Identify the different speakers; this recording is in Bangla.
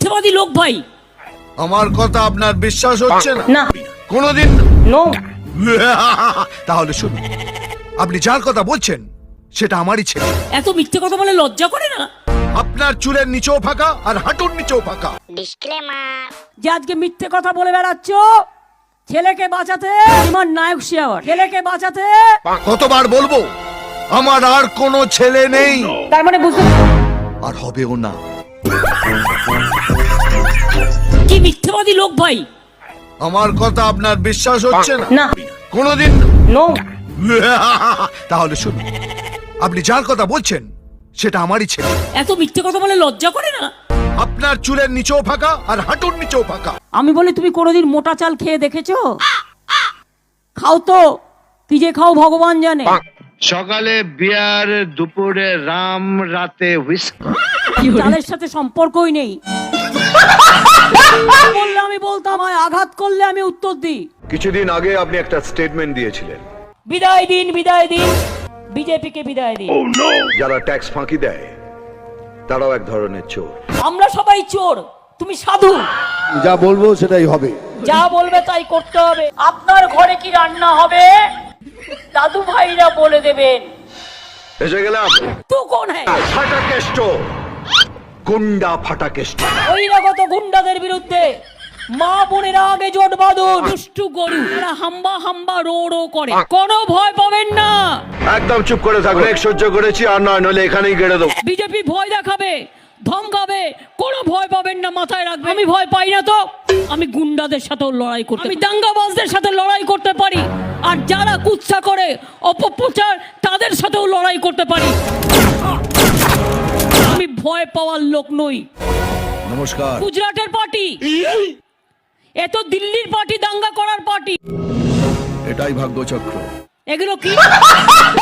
Speaker 1: মিথ্যাবাদী লোক ভাই।
Speaker 2: আমার কথা আপনার বিশ্বাস হচ্ছে না?
Speaker 1: না।
Speaker 2: কোনোদিন
Speaker 1: নো।
Speaker 2: তাহলে শুনুন, আপনি যার কথা বলছেন সেটা আমারই ছেলে।
Speaker 1: এত মিথ্যে কথা বলে লজ্জা করে না?
Speaker 2: আপনার চুলের নিচেও ফাঁকা আর হাঁটুর নিচেও ফাঁকা।
Speaker 1: যে আজকে মিথ্যে কথা বলে বেড়াচ্ছ ছেলেকে বাঁচাতে, আমার নায়ক শিয়াওয়ার ছেলেকে বাঁচাতে।
Speaker 2: কতবার বলবো আমার আর কোনো ছেলে নেই,
Speaker 1: তার মানে বুঝতে
Speaker 2: আর হবেও না।
Speaker 1: কি মিথ্যাবাদী লোক ভাই।
Speaker 2: আমার কথা আপনার বিশ্বাস হচ্ছে না?
Speaker 1: না।
Speaker 2: কোনোদিন
Speaker 1: নো।
Speaker 2: তাহলে শুনুন, আপনি যার কথা বলছেন সেটা আমারই ছেলে।
Speaker 1: এত মিথ্যে কথা বলে লজ্জা করে না?
Speaker 2: আপনার চুলের নিচেও ফাঁকা আর হাঁটুর নিচেও ফাঁকা।
Speaker 1: আমি বলি তুমি কোনোদিন মোটা চাল খেয়ে দেখেছো? খাও তো, কি যে খাও ভগবান জানে।
Speaker 3: সকালে বিয়ার, দুপুরে রাম, রাতে হুইস্কি।
Speaker 1: চালের সাথে সম্পর্কই নেই। বললে আমি বলতাম, আমায় আঘাত করলে আমি উত্তর দিই।
Speaker 4: কিছুদিন আগে আপনি একটা স্টেটমেন্ট দিয়েছিলেন,
Speaker 1: বিদায় দিন, বিদায় দিন, বিজেপিকে বিদায় দিন।
Speaker 4: যারা ট্যাক্স ফাঁকি দেয় তারাও এক ধরনের চোর।
Speaker 1: আমরা সবাই চোর, তুমি সাধু।
Speaker 5: যা বলবো সেটাই হবে।
Speaker 1: যা বলবে তাই করতে হবে। আপনার ঘরে কি রান্না হবে দাদু ভাইরা বলে দেবেন।
Speaker 4: এসে গেলাম
Speaker 1: তু কোন হ্যাঁ?
Speaker 4: ফাটাকেষ্ট, গুন্ডা ফাটাকেষ্ট।
Speaker 1: বহিরাগত গুন্ডাদের বিরুদ্ধে মা বোনেরা আগে জোট বাঁধুন। দুষ্টু গরু এরা হাম্বা হাম্বা রো রো করে, কোনো ভয় পাবেন না।
Speaker 4: একদম চুপ করে থাকো, এক সহ্য করেছি, আর নয় নইলে এখানেই গেড়ে দেবো।
Speaker 1: বিজেপি ভয় দেখাবে, ধমকাবে, কোনো ভয় পাবেন না, মাথায় রাখবেন। আমি ভয় পাই না তো, আমি গুন্ডাদের সাথেও লড়াই করতে, আমি দাঙ্গাবাজদের সাথে লড়াই করতে পারি, আর যারা কুৎসা করে অপপ্রচার তাদের সাথেও লড়াই করতে পারি। আমি ভয় পাওয়ার লোক নই।
Speaker 2: নমস্কার।
Speaker 1: গুজরাটের পার্টি, এ তো দিল্লির পার্টি, দাঙ্গা করার পার্টি।
Speaker 2: এটাই ভাগ্যচক্র।
Speaker 1: এগুলো কি?